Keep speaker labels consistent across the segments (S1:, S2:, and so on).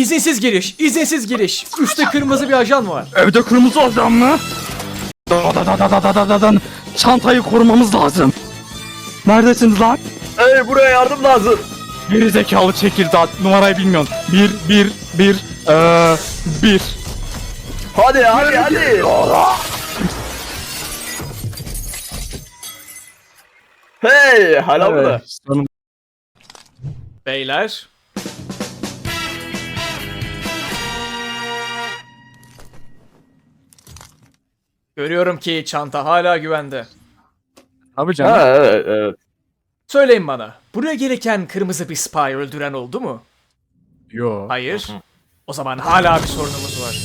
S1: İzinsiz giriş, izinsiz giriş. Üstte kırmızı bir ajan var.
S2: Evde kırmızı adam mı? Da. Çantayı korumamız lazım. Neredesiniz lan?
S3: Hey, buraya yardım lazım.
S2: Geri zekalı çekirdeği, numarayı bilmiyorsun. 1.
S3: Hadi. Hey, hala burada.
S1: Beyler. Görüyorum ki çanta hala güvende.
S2: Abi canım.
S3: Ha, evet.
S1: Söyleyin bana, buraya gelirken kırmızı bir spy öldüren oldu mu?
S2: Yo.
S1: Hayır. O zaman hala bir sorunumuz var.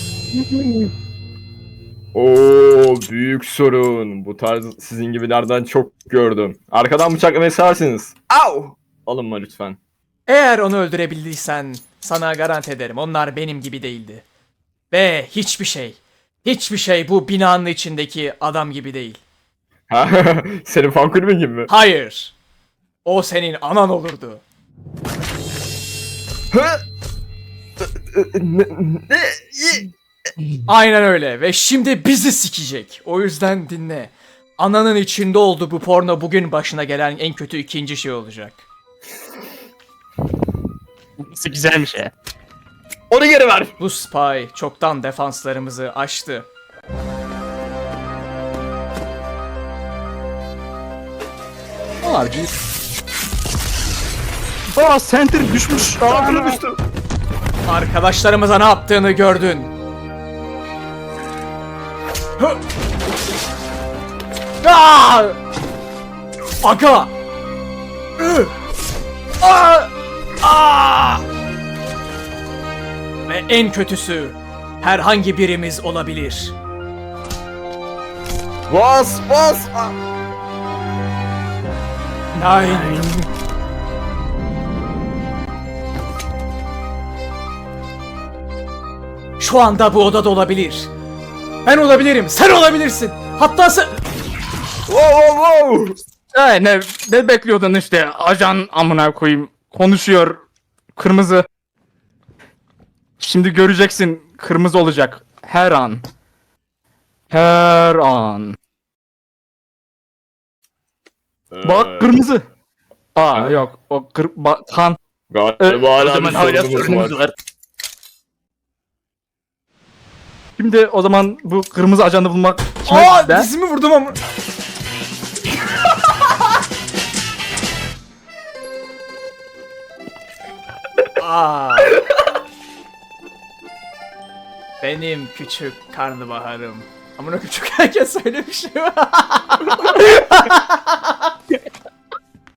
S3: Oo, büyük sorun. Bu tarz sizin gibilerden çok gördüm. Arkadan bıçaklamayı seversiniz. Au! Alınma lütfen.
S1: Eğer onu öldürebildiysen sana garanti ederim onlar benim gibi değildi. Ve hiçbir şey bu binanın içindeki adam gibi değil.
S3: Ha, senin fan kulübün gibi mi?
S1: Hayır. O senin anan olurdu.
S3: Ha? Ne?
S1: Aynen öyle ve şimdi bizi sikecek. O yüzden dinle. Ananın içinde olduğu bu porno bugün başına gelen en kötü ikinci şey olacak.
S2: Nasıl güzelmiş ya.
S3: Onu geri ver.
S1: Bu spy çoktan defanslarımızı aştı.
S2: Abi. Aa, center düşmüş.
S3: Ağzına düştü.
S1: Arkadaşlarımıza ne yaptığını gördün. Hı! Aa! Aga! Ü! Aa! Aa! Ve en kötüsü herhangi birimiz olabilir.
S3: Bas.
S1: Nine. Şu anda bu odada olabilir. Ben olabilirim, sen olabilirsin. Hatta sen...
S3: Wow.
S2: Ne bekliyordun işte, ajan amına koyayım, konuşuyor kırmızı. Şimdi göreceksin, kırmızı olacak her an. Bak kırmızı. Aa yok, o kan.
S3: Galiba
S2: O
S3: hala
S2: zaman
S3: bir
S2: hala
S3: sorunumuz
S2: sorunumuz
S3: var.
S2: var. Şimdi o zaman bu kırmızı ajanı bulmak
S1: Aa,
S2: de.
S1: dizimi vurdum ama... Aa. Benim küçük karnabaharım. Amına küçük herkes söylemiş.